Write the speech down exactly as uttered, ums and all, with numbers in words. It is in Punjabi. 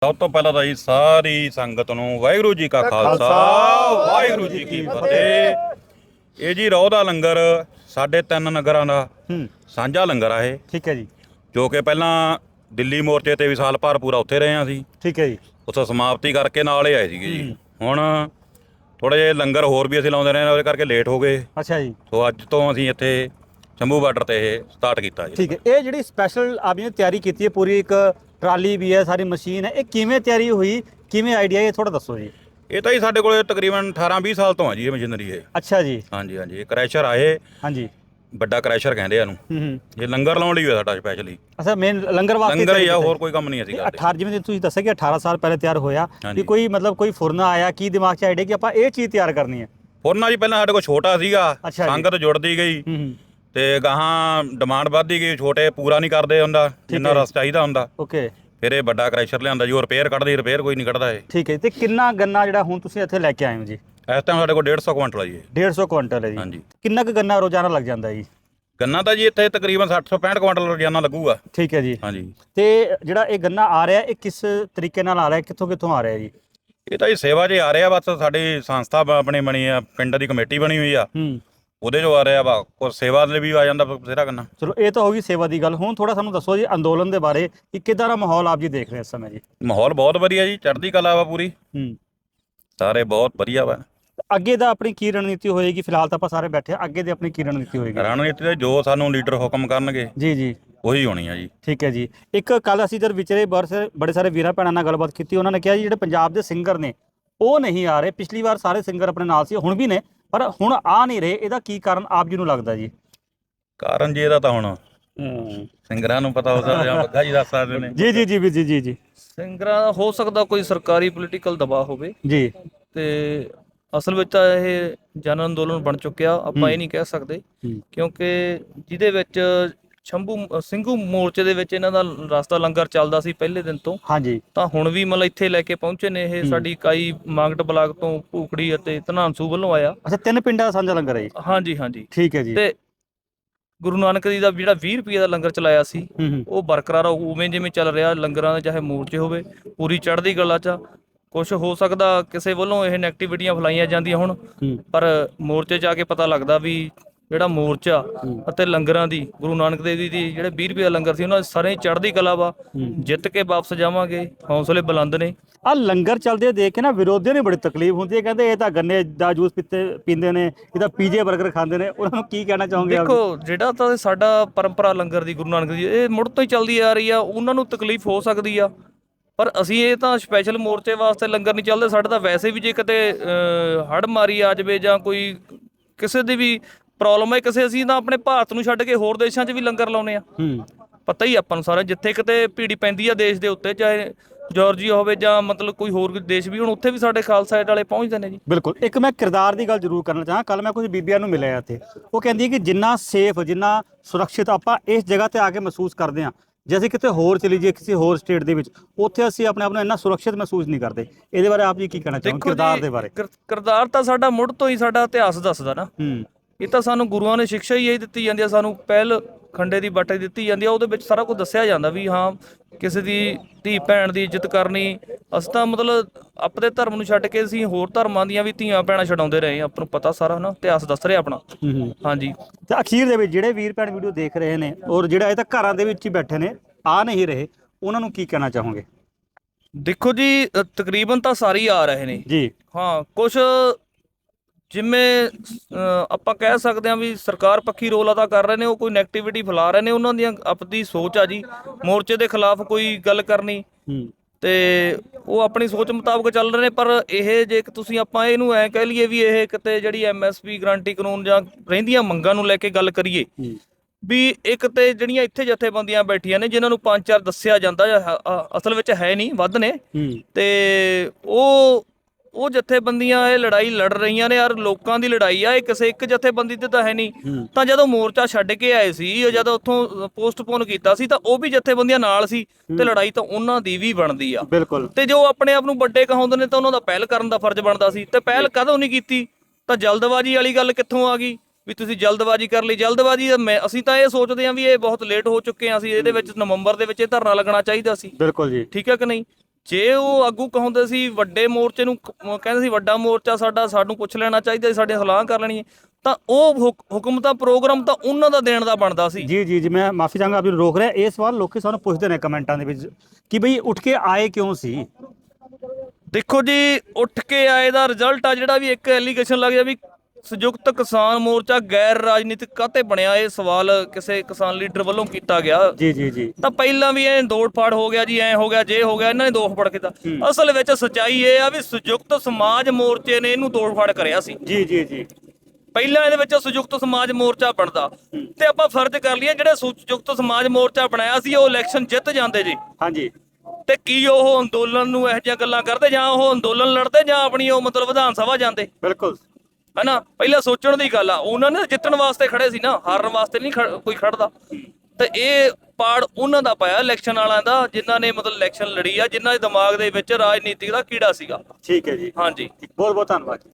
ਸਭ ਤੋਂ ਪਹਿਲਾਂ ਤਾਂ ਜੀ ਸਾਰੀ ਸੰਗਤ ਨੂੰ ਵਾਹਿਗੁਰੂ ਜੀ ਕਾ ਖਾਲਸਾ ਵਾਹਿਗੁਰੂ ਜੀ ਕੀ ਫਤਿਹ। ਇਹ ਜੀ ਰੋਹ ਦਾ ਲੰਗਰ ਸਾਡੇ ਤਿੰਨ ਨਗਰਾਂ ਦਾ ਹੂੰ ਸਾਂਝਾ ਲੰਗਰ ਆ ਇਹ, ਠੀਕ ਹੈ ਜੀ। ਜੋ ਕਿ ਪਹਿਲਾਂ ਦਿੱਲੀ ਮੋਰਚੇ ਤੇ ਵੀ ਸਾਲ ਭਰ ਪੂਰਾ ਉੱਥੇ ਰਹੇ ਹਾਂ ਅਸੀਂ, ਠੀਕ ਹੈ ਜੀ। ਉੱਥੋਂ ਸਮਾਪਤੀ ਕਰਕੇ ਨਾਲ ਹੀ ਆਏ ਸੀਗੇ ਜੀ। ਹੁਣ ਥੋੜ੍ਹੇ ਜਿਹੇ ਲੰਗਰ ਹੋਰ ਵੀ ਅਸੀਂ ਲਾਉਂਦੇ ਰਹੇ ਉਹਦੇ ਕਰਕੇ ਲੇਟ ਹੋ ਗਏ, ਅੱਛਾ ਜੀ। ਸੋ ਅੱਜ ਤੋਂ ਅਸੀਂ ਇੱਥੇ ਸ਼ੰਭੂ ਬਾਰਡਰ ਤੇ ਇਹ ਸਟਾਰਟ ਕੀਤਾ ਜੀ। ਠੀਕ ਹੈ। ਇਹ ਜਿਹੜੀ ਸਪੈਸ਼ਲ ਆਪ ਜੀ ਨੇ ਤਿਆਰੀ ਕੀਤੀ ਹੈ, ਪੂਰੀ ਇੱਕ ਟਰਾਲੀ ਵੀ ਹੈ, ਸਾਰੀ ਮਸ਼ੀਨ ਹੈ, ਇਹ ਕਿਵੇਂ ਤਿਆਰੀ ਹੋਈ, ਕਿਵੇਂ ਆਈਡੀਆ, ਇਹ ਥੋੜਾ ਦੱਸੋ ਜੀ। ਇਹ ਤਾਂ ਜੀ ਸਾਡੇ ਕੋਲ ਤਕਰੀਬਨ ਅਠਾਰਾਂ ਵੀਹ ਸਾਲ ਤੋਂ ਆ ਜੀ ਇਹ ਮਸ਼ੀਨਰੀ ਇਹ। ਅੱਛਾ ਜੀ। ਹਾਂਜੀ ਹਾਂਜੀ, ਇਹ ਕ੍ਰੈਸ਼ਰ ਆਏ, ਹਾਂਜੀ। ਵੱਡਾ ਕ੍ਰੈਸ਼ਰ ਕਹਿੰਦੇ ਆ ਇਹਨੂੰ। ਹੂੰ ਹੂੰ। ਇਹ ਲੰਗਰ ਲਾਉਣ ਲਈ ਹੋਇਆ ਸਾਡਾ ਸਪੈਸ਼ਲੀ। ਅੱਛਾ, ਮੇਨ ਲੰਗਰ ਵਾਸਤੇ ਲੰਗਰ ਹੀ ਆ, ਹੋਰ ਕੋਈ ਕੰਮ ਨਹੀਂ ਅਸੀਂ ਕਰਦੇ। ਅਠਾਰਾਂ ਜਿਵੇਂ ਤੁਸੀਂ ਦੱਸਿਆ ਕਿ ਅਠਾਰਾਂ ਸਾਲ ਪਹਿਲੇ ਤਿਆਰ ਹੋਇਆ, ਕਿ ਕੋਈ ਮਤਲਬ ਕੋਈ ਫੁਰਨਾ ਆਇਆ, ਕੀ ਦਿਮਾਗ 'ਚ ਆਈਡੀਆ ਕਿ ਆਪਾਂ ਇਹ ਚੀਜ਼ ਤਿਆਰ ਕਰਨੀ ਹੈ? ਫੁਰਨਾ ਜੀ ਪਹਿਲਾਂ ਸਾਡੇ ਕੋਲ ਛੋਟਾ ਸੀਗਾ, ਅੱਛਾ ਜੀ। ਸੰਗਤ ਜੁੜਦੀ ਗਈ ਹੂੰ ਹੂੰ। ਤੇ ਗਾਹਾਂ ਡਿਮਾਂਡ ਵੱਧਦੀ ਗਈ, ਛੋਟੇ ਪੂਰਾ ਨਹੀਂ ਕਰਦੇ ਹੁੰਦਾ ਜਿੰਨਾ ਰਸ ਚਾਹੀਦਾ ਹੁੰਦਾ। ਓਕੇ। ਫਿਰ ਇਹ ਵੱਡਾ ਕ੍ਰੈਸ਼ਰ ਲਿਆਂਦਾ ਜੀ, ਉਹ ਰਿਪੇਅਰ ਕੱਢਦੀ, ਰਿਪੇਅਰ ਕੋਈ ਨਹੀਂ ਕੱਢਦਾ ਇਹ। ਠੀਕ ਹੈ। ਤੇ ਕਿੰਨਾ ਗੰਨਾ ਜਿਹੜਾ ਹੁਣ ਤੁਸੀਂ ਇੱਥੇ ਲੈ ਕੇ ਆਏ ਹੋ ਜੀ? ਇਸ ਟਾਈਮ ਸਾਡੇ ਕੋਲ ਡੇਢ ਸੌ ਕੁਇੰਟਲ ਆ ਜੀ ਇਹ। ਡੇਢ ਸੌ ਕੁਇੰਟਲ ਹੈ ਜੀ। ਹਾਂਜੀ। ਕਿੰਨਾ ਕੁ ਗੰਨਾ ਰੋਜ਼ਾਨਾ ਲੱਗ ਜਾਂਦਾ ਜੀ? ਗੰਨਾ ਤਾਂ ਜੀ ਇੱਥੇ ਤਕਰੀਬਨ ਸੱਠ ਤੋਂ ਪੈਂਹਠ ਕੁਇੰਟਲ ਰੋਜ਼ਾਨਾ ਲੱਗੂਗਾ। ਠੀਕ ਹੈ ਜੀ। ਹਾਂਜੀ। ਤੇ ਜਿਹੜਾ ਇਹ ਗੰਨਾ ਆ ਰਿਹਾ, ਇਹ ਕਿਸ ਤਰੀਕੇ ਨਾਲ ਆ ਰਿਹਾ, ਕਿੱਥੋਂ ਕਿੱਥੋਂ ਆ ਰਿਹਾ ਜੀ? ਇਹ ਤਾਂ ਜੀ ਸੇਵਾ 'ਚ ਆ ਰਿਹਾ, ਬਸ ਸਾਡੀ ਸੰਸਥਾ ਆਪਣੀ ਬਣੀ ਆ, ਪਿੰਡ ਦੀ ਕਮੇਟੀ ਬਣੀ ਹੋਈ ਆ, ਹੂੰ, ਉਹਦੇ 'ਚੋਂ ਆ ਰਿਹਾ ਵਾ। ਕੋਈ ਸੇਵਾ ਲਈ ਵੀ ਆ ਜਾਂਦਾ ਬਥੇਰਾ ਗੰਨਾ। ਚਲੋ ਇਹ ਤਾਂ ਹੋ ਗਈ ਸੇਵਾ ਦੀ ਗੱਲ। ਹੁਣ ਥੋੜਾ ਸਾਨੂੰ ਦੱਸੋ ਜੀ ਅੰਦੋਲਨ ਦੇ ਬਾਰੇ, ਕਿ ਕਿੱਦਾਂ ਦਾ ਮਾਹੌਲ ਆਪ ਜੀ ਦੇਖ ਰਹੇ ਇਸ ਸਮੇਂ ਜੀ? ਮਾਹੌਲ ਬਹੁਤ ਵਧੀਆ ਜੀ, ਚੜ੍ਹਦੀ ਕਲਾ ਵਾ ਪੂਰੀ, ਹੂੰ। ਸਾਰੇ ਬਹੁਤ ਵਧੀਆ ਵਾ। ਅੱਗੇ ਦਾ ਆਪਣੀ ਕੀ ਰਣਨੀਤੀ ਹੋਏਗੀ? ਫਿਲਹਾਲ ਤਾਂ ਆਪਾਂ ਸਾਰੇ ਬੈਠੇ ਆ, ਅੱਗੇ ਦੀ ਆਪਣੀ ਕੀ ਰਣਨੀਤੀ ਹੋਏਗੀ? ਰਣਨੀਤੀ ਤੇ ਜੋ ਸਾਨੂੰ ਲੀਡਰ ਹੁਕਮ ਕਰਨਗੇ ਜੀ ਜੀ, ਉਹੀ ਹੋਣੀ ਆ ਜੀ। ਠੀਕ ਹੈ ਜੀ। ਇੱਕ ਕੱਲ ਅਸੀਂ ਜਦ ਵਿਚਰੇ ਬੜੇ ਸਾਰੇ ਵੀਰਾਂ ਭੈਣਾਂ ਨਾਲ ਗੱਲਬਾਤ ਕੀਤੀ, ਉਹਨਾਂ ਨੇ ਕਿਹਾ ਜੀ ਜਿਹੜੇ ਪੰਜਾਬ ਦੇ ਸਿੰਗਰ ਨੇ ਉਹ ਨਹੀਂ ਆ ਰਹੇ। ਪਿਛਲੀ ਵਾਰ ਸਾਰੇ ਸਿੰਗਰ ਆਪਣੇ ਨਾਲ ਸੀ, ਹੁਣ ਵੀ ਨੇ, ਪਰ ਹੁਣ ਆ ਨਹੀਂ ਰਹੇ। ਇਹਦਾ ਕੀ ਕਾਰਨ ਆਪ ਜੀ ਨੂੰ ਲੱਗਦਾ ਜੀ? ਕਾਰਨ ਜੀ ਇਹਦਾ ਤਾਂ ਹੁਣ ਸਿੰਗਰਾਂ ਨੂੰ ਪਤਾ ਹੁੰਦਾ ਜਾਂ ਬੱਗਾ ਜੀ ਦੱਸ ਸਕਦੇ ਨੇ। ਜੀ ਜੀ ਜੀ ਜੀ ਜੀ ਜੀ ਸਿੰਗਰਾਂ ਦਾ ਹੋ ਸਕਦਾ ਕੋਈ ਸਰਕਾਰੀ ਪੋਲੀਟੀਕਲ ਦਬਾਅ ਹੋਵੇ ਜੀ। ਤੇ ਅਸਲ ਵਿੱਚ ਤਾਂ ਇਹ ਜਨ ਅੰਦੋਲਨ ਬਣ ਚੁੱਕਿਆ, ਆਪਾਂ ਇਹ ਨਹੀਂ ਕਹਿ ਸਕਦੇ, ਕਿਉਂਕਿ ਜਿਹਦੇ ਵਿੱਚ ਸ਼ੰਭੂ ਸਿੰਘੂ ਮੋਰਚੇ ਦੇ ਵਿੱਚ ਇਹਨਾਂ ਦਾ ਰਸਤਾ ਲੰਗਰ ਚੱਲਦਾ ਸੀ ਪਹਿਲੇ ਦਿਨ ਤੋਂ। ਹਾਂਜੀ। ਤਾਂ ਹੁਣ ਵੀ ਮਤਲਬ ਇੱਥੇ ਲੈ ਕੇ ਪਹੁੰਚੇ ਨੇ ਇਹ। ਸਾਡੀ ਇਕਾਈ ਮਾਂਗਟ ਬਲਾਕ ਤੋਂ ਭੂਖੜੀ ਅਤੇ ਧਨਾਂਸੂ ਵੱਲੋਂ ਆਇਆ। ਅੱਛਾ, ਤਿੰਨ ਪਿੰਡਾਂ ਦਾ ਸਾਂਝਾ ਲੰਗਰ ਹੈ ਜੀ? ਹਾਂਜੀ ਹਾਂਜੀ, ਠੀਕ ਹੈ ਜੀ। ਤੇ ਗੁਰੂ ਨਾਨਕ ਜੀ ਦਾ ਜਿਹੜਾ ਵੀਹ ਰੁਪਏ ਦਾ ਲੰਗਰ ਚਲਾਇਆ ਸੀ ਹੂੰ, ਉਹ ਬਰਕਰਾਰ ਉਵੇਂ ਜਿਵੇਂ ਚੱਲ ਰਿਹਾ ਲੰਗਰਾਂ ਦੇ, ਚਾਹੇ ਮੋਰਚੇ ਹੋਵੇ, ਪੂਰੀ ਚੜ੍ਹਦੀ ਕਲਾ 'ਚ। ਕੁਛ ਹੋ ਸਕਦਾ ਕਿਸੇ ਵੱਲੋਂ ਇਹ ਨੈਗੇਟਿਵਿਟੀਆਂ ਫੈਲਾਈਆਂ ਜਾਂਦੀਆਂ ਹੁਣ, ਪਰ ਮੋਰਚੇ 'ਚ ਆ ਕੇ ਪਤਾ ਲੱਗਦਾ ਵੀ ਜਿਹੜਾ ਮੋਰਚਾ ਅਤੇ ਲੰਗਰਾਂ ਦੀ, ਗੁਰੂ ਨਾਨਕ ਦੇਵ ਜੀ ਦੀ ਜਿਹੜੇ ਵੀਹ ਰੁਪਏ ਦਾ ਲੰਗਰ ਸੀ, ਉਹਨਾਂ ਸਾਰੇ ਚੜ੍ਹਦੀ ਕਲਾ ਵਾ। ਜਿੱਤ ਕੇ ਵਾਪਸ ਜਾਵਾਂਗੇ, ਹੌਸਲੇ ਬੁਲੰਦ ਨੇ। ਆ ਲੰਗਰ ਚੱਲਦੇ ਦੇਖ ਕੇ ਨਾ ਵਿਰੋਧੀਆਂ ਨੂੰ ਬੜੀ ਤਕਲੀਫ ਹੁੰਦੀ ਹੈ, ਕਹਿੰਦੇ ਇਹ ਤਾਂ ਗੰਨੇ ਦਾ ਜੂਸ ਪੀਤੇ ਪੀਂਦੇ ਨੇ, ਇਹ ਤਾਂ ਪੀਜੇ 버ਗਰ ਖਾਂਦੇ ਨੇ। ਉਹਨਾਂ ਨੂੰ ਕੀ ਕਹਿਣਾ ਚਾਹੋਗੇ? ਦੇਖੋ, ਜਿਹੜਾ ਤਾਂ ਸਾਡਾ ਪਰੰਪਰਾ ਲੰਗਰ ਦੀ ਗੁਰੂ ਨਾਨਕ ਦੀ, ਇਹ ਮੁੱਢ ਤੋਂ ਹੀ ਚੱਲਦੀ ਆ ਰਹੀ ਆ। ਉਹਨਾਂ ਨੂੰ ਤਕਲੀਫ ਹੋ ਸਕਦੀ ਆ, ਪਰ ਅਸੀਂ ਇਹ ਤਾਂ ਸਪੈਸ਼ਲ ਮੋਰਚੇ ਵਾਸਤੇ ਲੰਗਰ ਨਹੀਂ ਚੱਲਦੇ। ਸਾਡੇ ਤਾਂ ਵੈਸੇ ਵੀ ਜੇ ਕਿਤੇ ਹੜ੍ਹ ਮਾਰੀ ਆ ਜਾਵੇ ਜਾਂ ਕੋਈ ਕਿਸੇ ਦੀ ਵੀ ਪ੍ਰੋਬਲਮ ਹੈ ਕਿਸੇ, ਅਸੀਂ ਤਾਂ ਆਪਣੇ ਭਾਰਤ ਨੂੰ ਛੱਡ ਕੇ ਹੋਰ ਦੇਸ਼ਾਂ 'ਚ ਵੀ ਲੰਗਰ ਲਾਉਂਦੇ ਆ। ਪਤਾ ਹੀ ਆਪਾਂ ਨੂੰ ਸਾਰਾ, ਜਿੱਥੇ ਕਿਤੇ ਭੀੜੀ ਪੈਂਦੀ ਆ ਦੇਸ਼ ਦੇ ਉੱਤੇ, ਚਾਹੇ ਜਾਰਜੀਆ ਹੋਵੇ ਜਾਂ ਮਤਲਬ ਕੋਈ ਹੋਰ ਦੇਸ਼ ਵੀ, ਹੁਣ ਉੱਥੇ ਵੀ ਸਾਡੇ ਖਾਲਸਾ ਏਡ ਵਾਲੇ ਪਹੁੰਚਦੇ ਨੇ ਜੀ। ਬਿਲਕੁਲ। ਇੱਕ ਮੈਂ ਕਿਰਦਾਰ ਦੀ ਗੱਲ ਜ਼ਰੂਰ ਕਰਨਾ ਚਾਹਾਂ। ਕੱਲ ਮੈਂ ਕੁਝ ਬੀਬੀਆਂ ਨੂੰ ਮਿਲਿਆ ਇੱਥੇ, ਉਹ ਕਹਿੰਦੀ ਹੈ ਕਿ ਜਿੰਨਾ ਸੇਫ, ਜਿੰਨਾ ਸੁਰੱਖਿਅਤ ਆਪਾਂ ਇਸ ਜਗ੍ਹਾ ਤੇ ਆ ਕੇ ਮਹਿਸੂਸ ਕਰਦੇ ਹਾਂ, ਜੇ ਅਸੀਂ ਕਿਤੇ ਹੋਰ ਚਲੀ ਜਾਈਏ ਕਿਸੇ ਹੋਰ ਸਟੇਟ ਦੇ ਵਿੱਚ, ਉੱਥੇ ਅਸੀਂ ਆਪਣੇ ਆਪ ਨੂੰ ਇੰਨਾ ਸੁਰੱਖਿਅਤ ਮਹਿਸੂਸ ਨਹੀਂ ਕਰਦੇ। ਇਹਦੇ ਬਾਰੇ ਆਪ ਜੀ ਕੀ ਕਹਿਣਾ ਚਾਹੋਗੇ ਕਿਰਦਾਰ ਦੇ ਬਾਰੇ? ਕਿਰਦਾਰ ਤਾਂ ਸਾਡਾ ਮੁੱਢ ਤੋਂ ਹੀ ਸਾਡਾ ਇਤਿਹਾਸ ਦੱਸਦਾ ਨਾ। ਹੂੰ। ਇਹ ਤਾਂ ਸਾਨੂੰ ਗੁਰੂਆਂ ਨੇ ਸਿੱਖਿਆ ਹੀ ਇਹੀ ਦਿੱਤੀ ਜਾਂਦੀ ਆ, ਸਾਨੂੰ ਪਹਿਲ ਖੰਡੇ ਦੀ ਬਾਟੇ ਦਿੱਤੀ ਜਾਂਦੀ ਆ। ਉਹਦੇ ਵਿੱਚ ਸਾਰਾ ਕੁਝ ਦੱਸਿਆ ਜਾਂਦਾ ਵੀ ਹਾਂ, ਕਿਸੇ ਦੀ ਧੀ ਭੈਣ ਦੀ ਇੱਜ਼ਤ ਕਰਨੀ। ਅਸੀਂ ਤਾਂ ਮਤਲਬ ਆਪਣੇ ਧਰਮ ਨੂੰ ਛੱਡ ਕੇ ਅਸੀਂ ਹੋਰ ਧਰਮਾਂ ਦੀਆਂ ਵੀ ਧੀਆਂ ਭੈਣਾਂ ਛਡਾਉਂਦੇ ਰਹੇ ਹਾਂ। ਆਪਾਂ ਨੂੰ ਪਤਾ ਸਾਰਾ ਨਾ, ਇਤਿਹਾਸ ਦੱਸ ਰਿਹਾ ਆਪਣਾ। ਹਾਂਜੀ। ਤੇ ਅਖੀਰ ਦੇ ਵਿੱਚ ਜਿਹੜੇ ਵੀਰ ਭੈਣ ਵੀਡੀਓ ਦੇਖ ਰਹੇ ਨੇ, ਔਰ ਜਿਹੜਾ ਇਹ ਤਾਂ ਘਰਾਂ ਦੇ ਵਿੱਚ ਹੀ ਬੈਠੇ ਨੇ, ਆ ਨਹੀਂ ਰਹੇ, ਉਹਨਾਂ ਨੂੰ ਕੀ ਕਹਿਣਾ ਚਾਹੋਗੇ? ਦੇਖੋ ਜੀ, ਤਕਰੀਬਨ ਤਾਂ ਸਾਰੇ ਹੀ ਆ ਰਹੇ ਨੇ ਜੀ। ਹਾਂ, ਕੁਛ ਜਿਵੇਂ ਆਪਾਂ ਕਹਿ ਸਕਦੇ ਹਾਂ ਵੀ ਸਰਕਾਰ ਪੱਖੀ ਰੋਲ ਅਦਾ ਕਰ ਰਹੇ ਨੇ, ਉਹ ਕੋਈ ਨੈਗੇਟਿਵਿਟੀ ਫੈਲਾ ਰਹੇ ਨੇ। ਉਹਨਾਂ ਦੀਆਂ ਆਪਣੀ ਸੋਚ ਆ ਜੀ, ਮੋਰਚੇ ਦੇ ਖਿਲਾਫ ਕੋਈ ਗੱਲ ਕਰਨੀ, ਤੇ ਉਹ ਆਪਣੀ ਸੋਚ ਮੁਤਾਬਕ ਚੱਲ ਰਹੇ ਨੇ। ਪਰ ਇਹ ਜੇ ਤੁਸੀਂ ਆਪਾਂ ਇਹਨੂੰ ਐਂ ਕਹਿ ਲਈਏ ਵੀ ਇਹ ਕਿਤੇ ਜਿਹੜੀ ਐਮ ਐਸ ਪੀ ਗਰੰਟੀ ਕਾਨੂੰਨ ਜਾਂ ਰਹਿੰਦੀਆਂ ਮੰਗਾਂ ਨੂੰ ਲੈ ਕੇ ਗੱਲ ਕਰੀਏ, ਵੀ ਇੱਕ ਤੇ ਜਿਹੜੀਆਂ ਇੱਥੇ ਜਥੇਬੰਦੀਆਂ ਬੈਠੀਆਂ ਨੇ, ਜਿਨ੍ਹਾਂ ਨੂੰ ਪੰਜ ਚਾਰ ਦੱਸਿਆ ਜਾਂਦਾ, ਅਸਲ ਵਿੱਚ ਹੈ ਨਹੀਂ, ਵੱਧ ਨੇ, ਤੇ ਉਹ ਉਹ ਜਥੇਬੰਦੀਆਂ ਇਹ ਲੜਾਈ ਲੜ ਰਹੀਆਂ ਨੇ। ਯਾਰ ਲੋਕਾਂ ਦੀ ਲੜਾਈ ਆ, ਇਹ ਕਿਸੇ ਇੱਕ ਜਥੇਬੰਦੀ ਤੇ ਤਾਂ ਹੈ ਨਹੀਂ। ਤਾਂ ਜਦੋਂ ਮੋਰਚਾ ਛੱਡ ਕੇ ਆਏ ਸੀ, ਜਦੋਂ ਉੱਥੋਂ ਪੋਸਟਪੋਨ ਕੀਤਾ ਸੀ, ਤਾਂ ਉਹ ਵੀ ਜਥੇਬੰਦੀਆਂ ਨਾਲ ਸੀ, ਤੇ ਲੜਾਈ ਤਾਂ ਉਹਨਾਂ ਦੀ ਵੀ ਬਣਦੀ ਆ। ਬਿਲਕੁਲ। ਤੇ ਜੋ ਆਪਣੇ ਆਪ ਨੂੰ ਵੱਡੇ ਕਹਾਉਂਦੇ ਨੇ, ਤਾਂ ਉਹਨਾਂ ਦਾ ਪਹਿਲ ਕਰਨ ਦਾ ਫਰਜ਼ ਬਣਦਾ ਸੀ। ਤੇ ਪਹਿਲ ਕਦੋਂ ਨਹੀਂ ਕੀਤੀ? ਤਾਂ ਜਲਦਬਾਜ਼ੀ ਵਾਲੀ ਗੱਲ ਕਿੱਥੋਂ ਆ ਗਈ ਵੀ ਤੁਸੀਂ ਜਲਦਬਾਜ਼ੀ ਕਰ ਲਈ? ਜਲਦਬਾਜ਼ੀ ਮੈਂ ਅਸੀਂ ਤਾਂ ਇਹ ਸੋਚਦੇ ਹਾਂ ਵੀ ਇਹ ਬਹੁਤ ਲੇਟ ਹੋ ਚੁੱਕੇ ਹਾਂ। ਅਸੀਂ ਇਹਦੇ ਵਿੱਚ ਨਵੰਬਰ ਦੇ ਵਿੱਚ ਇਹ ਧਰਨਾ ਲੱਗਣਾ ਚਾਹੀਦਾ ਸੀ। ਬਿਲਕੁਲ ਜੀ। ਠੀਕ ਹੈ ਕਿ ਨਹੀਂ? ਜੇ ਉਹ ਆਗੂ ਕਹਾਉਂਦੇ ਸੀ ਵੱਡੇ ਮੋਰਚੇ ਨੂੰ, ਕ- ਕਹਿੰਦੇ ਸੀ ਵੱਡਾ ਮੋਰਚਾ ਸਾਡਾ, ਸਾਨੂੰ ਪੁੱਛ ਲੈਣਾ ਚਾਹੀਦਾ, ਸਾਡੇ ਸਲਾਹ ਕਰ ਲੈਣੀ ਹੈ, ਤਾਂ ਉਹ ਹੁਕ- ਹੁਕਮ ਤਾਂ ਪ੍ਰੋਗਰਾਮ ਤਾਂ ਉਹਨਾਂ ਦਾ ਦੇਣ ਦਾ ਬਣਦਾ ਸੀ। ਜੀ ਜੀ ਜੀ ਮੈਂ ਮਾਫੀ ਚਾਹਾਂਗਾ ਆਪ ਜੀ ਨੂੰ ਰੋਕ ਰਿਹਾ। ਇਹ ਸਵਾਲ ਲੋਕੀ ਸਾਨੂੰ ਪੁੱਛਦੇ ਨੇ ਕਮੈਂਟਾਂ ਦੇ ਵਿੱਚ ਕਿ ਬਈ ਉੱਠ ਕੇ ਆਏ ਕਿਉਂ ਸੀ। ਦੇਖੋ ਜੀ, ਉੱਠ ਕੇ ਆਏ ਦਾ ਰਿਜ਼ਲਟ ਆ ਜਿਹੜਾ ਵੀ ਇੱਕ ਐਲੀਗੇਸ਼ਨ ਲੱਗ ਗਿਆ ਵੀ ਸੰਯੁਕਤ ਕਿਸਾਨ ਮੋਰਚਾ ਗੈਰ ਰਾਜਨੀਤਿਕ ਕਾਹਤੇ ਬਣਿਆ, ਇਹ ਸਵਾਲ ਕਿਸੇ ਕਿਸਾਨ ਲੀਡਰ ਵੱਲੋਂ ਕੀਤਾ ਗਿਆ। ਜੀ ਜੀ ਜੀ ਤਾਂ ਪਹਿਲਾਂ ਵੀ ਐ ਤੋੜ ਫਾੜ ਹੋ ਗਿਆ ਜੀ, ਐ ਹੋ ਗਿਆ, ਜੇ ਹੋ ਗਿਆ, ਇਹਨਾਂ ਨੇ ਦੋਖ ਫੜ ਕੀਤਾ। ਅਸਲ ਵਿੱਚ ਸੱਚਾਈ ਇਹ ਆ ਵੀ ਸੰਯੁਕਤ ਸਮਾਜ ਮੋਰਚੇ ਨੇ ਇਹਨੂੰ ਤੋੜ ਫਾੜ ਕਰਿਆ ਸੀ। ਜੀ ਜੀ ਜੀ ਪਹਿਲਾਂ ਇਹਦੇ ਵਿੱਚ ਸੰਯੁਕਤ ਸਮਾਜ ਮੋਰਚਾ ਬਣਦਾ ਤੇ ਆਪਾਂ ਫਰਜ਼ ਕਰ ਲਈਏ ਜਿਹੜੇ ਸੰਯੁਕਤ ਸਮਾਜ ਮੋਰਚਾ ਬਣਾਇਆ ਸੀ ਉਹ ਇਲੈਕਸ਼ਨ ਜਿੱਤ ਜਾਂਦੇ ਜੀ, ਹਾਂਜੀ ਤੇ ਕੀ ਉਹ ਅੰਦੋਲਨ ਨੂੰ ਇਹੋ ਜਿਹੀਆਂ ਗੱਲਾਂ ਕਰਦੇ, ਜਾਂ ਉਹ ਅੰਦੋਲਨ ਲੜਦੇ, ਜਾਂ ਆਪਣੀ ਉਹ ਮਤਲਬ ਵਿਧਾਨ ਸਭਾ ਜਾਂਦੇ, ਬਿਲਕੁਲ ਹਨਾ। ਪਹਿਲਾਂ ਸੋਚਣ ਦੀ ਗੱਲ ਆ, ਉਹਨਾਂ ਨੇ ਜਿੱਤਣ ਵਾਸਤੇ ਖੜੇ ਸੀ ਨਾ, ਹਾਰਨ ਵਾਸਤੇ ਨਹੀਂ ਖੜ- ਕੋਈ ਖੜਦਾ। ਤੇ ਇਹ ਪਾੜ ਉਹਨਾਂ ਦਾ ਪਾਇਆ ਇਲੈਕਸ਼ਨ ਵਾਲਿਆਂ ਦਾ, ਜਿਨ੍ਹਾਂ ਨੇ ਮਤਲਬ ਇਲੈਕਸ਼ਨ ਲੜੀ ਆ, ਜਿਨ੍ਹਾਂ ਦੇ ਦਿਮਾਗ ਦੇ ਵਿੱਚ ਰਾਜਨੀਤੀ ਦਾ ਕੀੜਾ ਸੀਗਾ। ਠੀਕ ਹੈ ਜੀ, ਹਾਂਜੀ। ਬਹੁਤ ਬਹੁਤ ਧੰਨਵਾਦ।